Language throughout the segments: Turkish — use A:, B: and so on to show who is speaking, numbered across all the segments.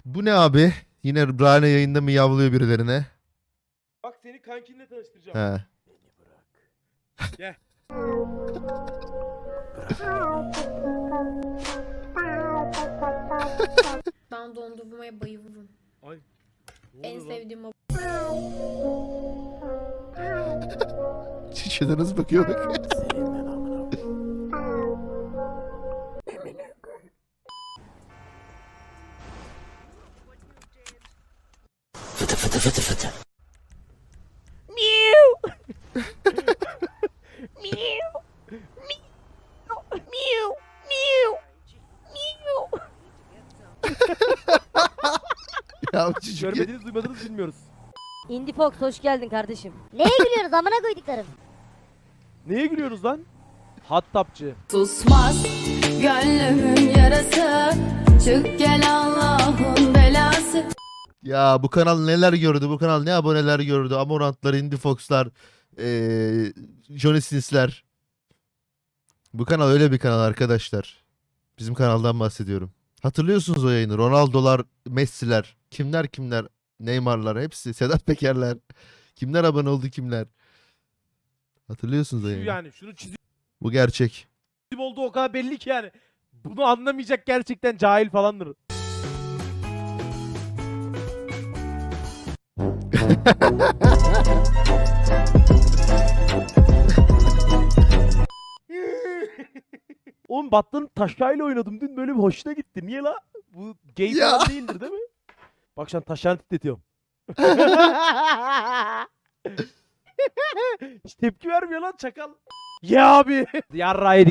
A: Bu ne abi? Yine Rane yayında mı yavlıyor birilerine?
B: Bak seni kankinle tanıştıracağım.
A: He.
B: Gel.
C: Ben dondurmaya bayılırım.
B: Ay. Ne
C: En
B: oluyor lan?
C: sevdiğim o.
A: Şişede nasıl bakıyor bak. Ya bu çocuk ya.
B: Görmediniz duymadınız bilmiyoruz.
D: Indie Fox hoş geldin kardeşim.
E: Neye gülüyoruz amına koyduklarım?
B: Neye gülüyoruz lan? Hattapçı.
F: Susmaz gönlümün yarası. Çık gel Allah'ın belası.
A: Ya bu kanal neler gördü? Bu kanal ne aboneler gördü? Amorantlar, Indie Fox'lar, Johnny Sins'ler. Bu kanal öyle bir kanal arkadaşlar. Bizim kanaldan bahsediyorum. Hatırlıyorsunuz o yayını. Ronaldo'lar, Messi'ler, kimler, Neymar'lar hepsi, Sedat Peker'ler. Kimler abone oldu kimler. Hatırlıyorsunuz o
B: Şu
A: yayını.
B: yani şunu çizim
A: Bu gerçek.
B: olduğu o kadar belli ki yani. Bunu anlamayacak gerçekten cahil falandır. Oğlum Battan'ın taşayla oynadım dün, böyle bir hoşuna gitti. Niye la? Bu gay
A: Ya.
B: falan değildir değil mi? Bak şu an taşlarını titretiyorum. Hiç tepki vermiyor lan çakal. Ya abi. Yarra yedik.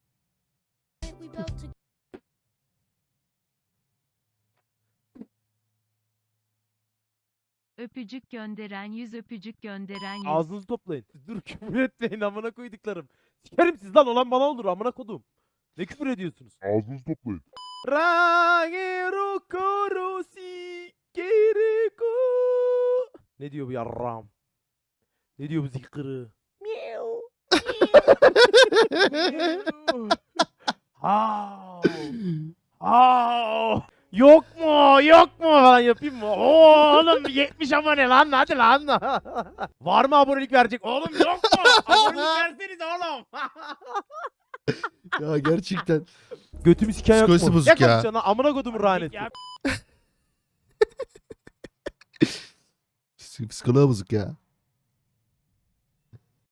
G: Öpücük gönderen 100 öpücük gönderen 100.
B: Ağzınızı toplayın. Dur küfür etmeyin amına koyduklarım. Sikerim siz lan, olan bana olur amına kodum. Ne küfür ediyorsunuz?
H: Ağzınızı toplayın.
B: Rangero korosi kereko. Ne diyor bu yarram? Ne diyor bu zikri? Miau. Hav. Hav. Yok mu? Yok mu falan yapayım mı? Oo, oğlum 70 abone lan, hadi lan. Var mı abonelik verecek? Oğlum yok mu? Abonelik verseniz oğlum.
A: Ya gerçekten.
B: Götümü siken yok mu?
A: Psikolojisi bozuk ya.
B: konuşuyorsun lan? Amına kodumun raneti.
A: Psikoloğa bozuk ya.